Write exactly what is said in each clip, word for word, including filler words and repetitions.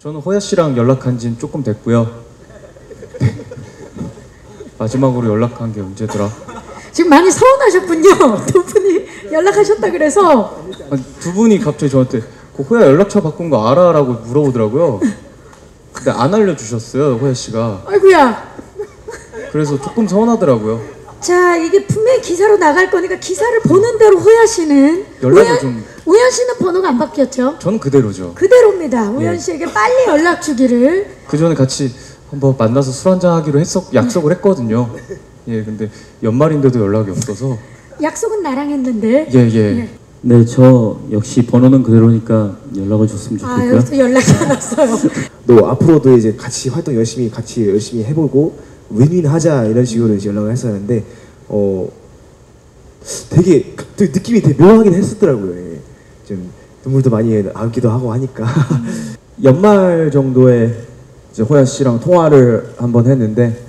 저는 호야 씨랑 연락한 지는 조금 됐고요. 마지막으로 연락한 게 언제더라? 지금 많이 서운하셨군요. 두 분이 연락하셨다 그래서. 아니, 두 분이 갑자기 저한테 그 호야 연락처 바꾼 거 알아? 라고 물어보더라고요. 근데 안 알려주셨어요, 호야 씨가. 아이고야. 그래서 조금 서운하더라고요. 자, 이게 분명히 기사로 나갈 거니까 기사를 보는 대로 호야 씨는 연락을 우연, 좀- 우연 씨는 번호가 안 바뀌었죠? 저는 그대로죠. 그대로입니다. 우연 예. 씨에게 빨리 연락 주기를. 그 전에 같이 한번 만나서 술 한잔 하기로 했었, 약속을 했거든요. 예, 근데 연말인데도 연락이 없어서. 약속은 나랑 했는데. 예, 예. 네, 저 역시 번호는 그대로니까 연락을 줬으면 아, 좋겠고요. 여기서 연락이 안 왔어요. 또 앞으로도 이제 같이 활동 열심히 같이 열심히 해보고 윈윈하자 이런 식으로 이제 연락을 했었는데 어 되게 되게 느낌이 되게 묘하긴 했었더라고요. 예. 좀 눈물도 많이 나기도 하고 하니까 연말 정도에 이제 호야 씨랑 통화를 한번 했는데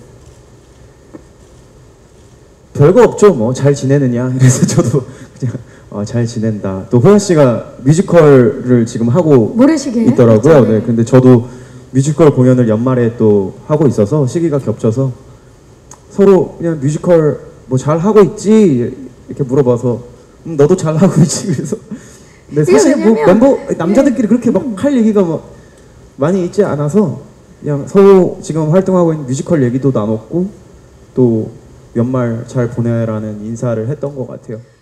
별거 없죠. 뭐 잘 지내느냐. 그래서 저도 그냥 어, 잘 지낸다. 또 호야 씨가 뮤지컬을 지금 하고 모래시계 있더라고요. 있죠, 네, 네. 근데 저도 뮤지컬 공연을 연말에 또 하고 있어서 시기가 겹쳐서 서로 그냥 뮤지컬 뭐 잘 하고 있지 이렇게 물어봐서 음, 너도 잘 하고 있지. 그래서 근데 사실 뭐 왜냐면- 멤버 남자들끼리 그렇게 막 할 얘기가 막 많이 있지 않아서 그냥 서로 지금 활동하고 있는 뮤지컬 얘기도 나눴고 또 연말 잘 보내라는 인사를 했던 것 같아요.